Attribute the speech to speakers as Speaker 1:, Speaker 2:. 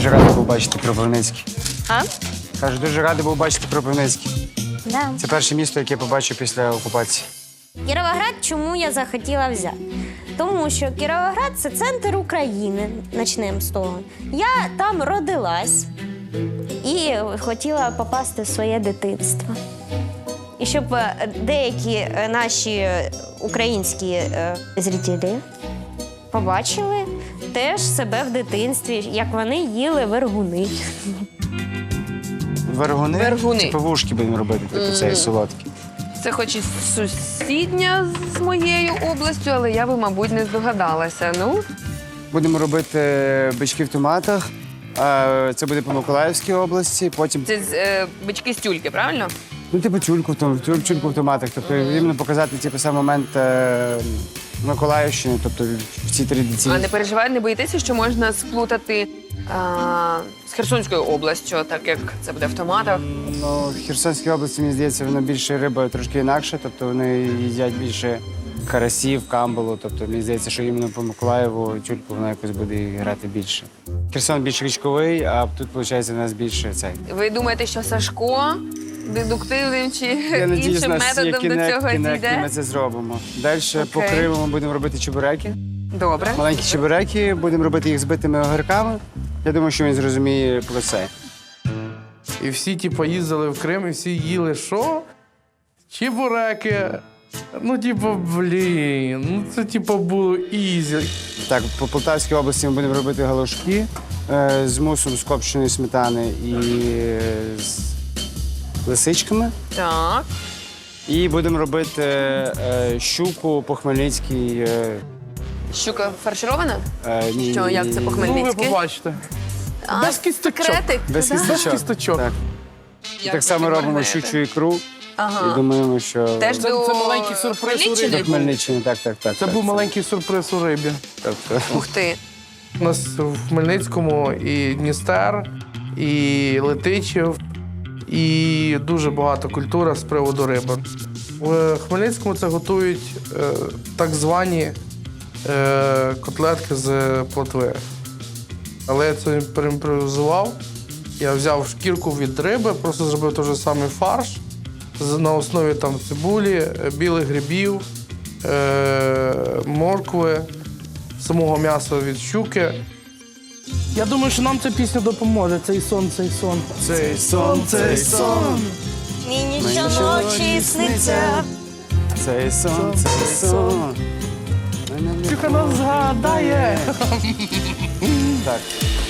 Speaker 1: Дуже радий був бачити Кропивницький.
Speaker 2: А?
Speaker 1: Кажу, дуже радий був бачити Кропивницький.
Speaker 2: Да.
Speaker 1: Це перше місто, яке я побачив після окупації.
Speaker 2: Кіровоград чому я захотіла взяти? Тому що Кіровоград – це центр України, почнемо з того. Я там родилась і хотіла попасти в своє дитинство. І щоб деякі наші українські зрителі побачили теж себе в дитинстві, як вони їли вергуни.
Speaker 1: Вергуни?
Speaker 3: Вергуни.
Speaker 1: Це пивушки будемо робити, типу цієї солодкі.
Speaker 3: Це хоч і сусідня з моєю областю, але я би, мабуть, не здогадалася. Ну,
Speaker 1: Будемо робити бички в томатах. Це буде по Миколаївській області, потім
Speaker 3: це бички з тюльки, правильно?
Speaker 1: ну, типу тюльку в томатах. Тобто іменно показати типу, сам момент Миколаївщини, тобто в цій традиції.
Speaker 3: А не переживайте, не боїтеся, що можна сплутати з Херсонською областю, так як це буде в томатах?
Speaker 1: Ну, в Херсонській області, мені здається, воно більше риба трошки інакше, тобто вони їдять більше карасів, камбалу. Тобто мені здається, що іменно по Миколаєву тюльку вона якось буде грати більше. Херсон більш річковий, а тут, виходить, у нас більше цей.
Speaker 3: Ви думаєте, що Сашко дедуктивним чи
Speaker 1: Я надіюсь,
Speaker 3: іншим
Speaker 1: нас є
Speaker 3: методом до цього
Speaker 1: кінек,
Speaker 3: дійде?
Speaker 1: ми це зробимо. Далі по
Speaker 3: Окей.
Speaker 1: Криму ми будемо робити чебуреки.
Speaker 3: Добре.
Speaker 1: Маленькі чебуреки, будемо робити їх збитими огірками. Я думаю, що він зрозуміє про це.
Speaker 4: І всі, типу, їздили в Крим, і всі їли що? Чебуреки. Ну, типу, блін, ну це типу було ізі.
Speaker 1: Так, по Полтавській області ми будемо робити галушки з мусом з копченої сметани і з лисичками.
Speaker 3: Так.
Speaker 1: І будемо робити щуку по Хмельницькій.
Speaker 3: Щука фарширована?
Speaker 1: Ні,
Speaker 3: Що, як це по
Speaker 4: Ну, ви
Speaker 3: Хмельницьки?
Speaker 4: побачите. Без кісточок.
Speaker 3: Секретик?
Speaker 1: Без
Speaker 3: Да?
Speaker 1: кісточок.
Speaker 4: кісточок.
Speaker 1: Так.
Speaker 3: Як
Speaker 1: Так само
Speaker 3: ви
Speaker 1: робимо
Speaker 3: відмовляєте?
Speaker 1: щучу ікру
Speaker 3: Ага.
Speaker 1: і думаємо, що
Speaker 3: Теж
Speaker 4: Це
Speaker 3: до
Speaker 4: маленький сюрприз у
Speaker 3: Хмельниччини?
Speaker 1: до Хмельниччини. Так.
Speaker 4: Це був маленький сюрприз у рибі.
Speaker 1: Тобто,
Speaker 3: Ух ти.
Speaker 4: У нас в Хмельницькому і Дністер, і Летичів, і дуже багато культура з приводу риби. В Хмельницькому це готують так звані котлетки з плотви. Але я це переімпровізував. Я взяв шкірку від риби, просто зробив той же самий фарш на основі там, цибулі, білих грибів, моркви, самого м'яса від щуки. Я думаю, що нам ця пісня допоможе. Цей сон, цей сон. Цей сон, цей сон.
Speaker 2: Мені щоночі сниться.
Speaker 1: цей сон, цей сон.
Speaker 4: Щука нас згадає.
Speaker 1: Так.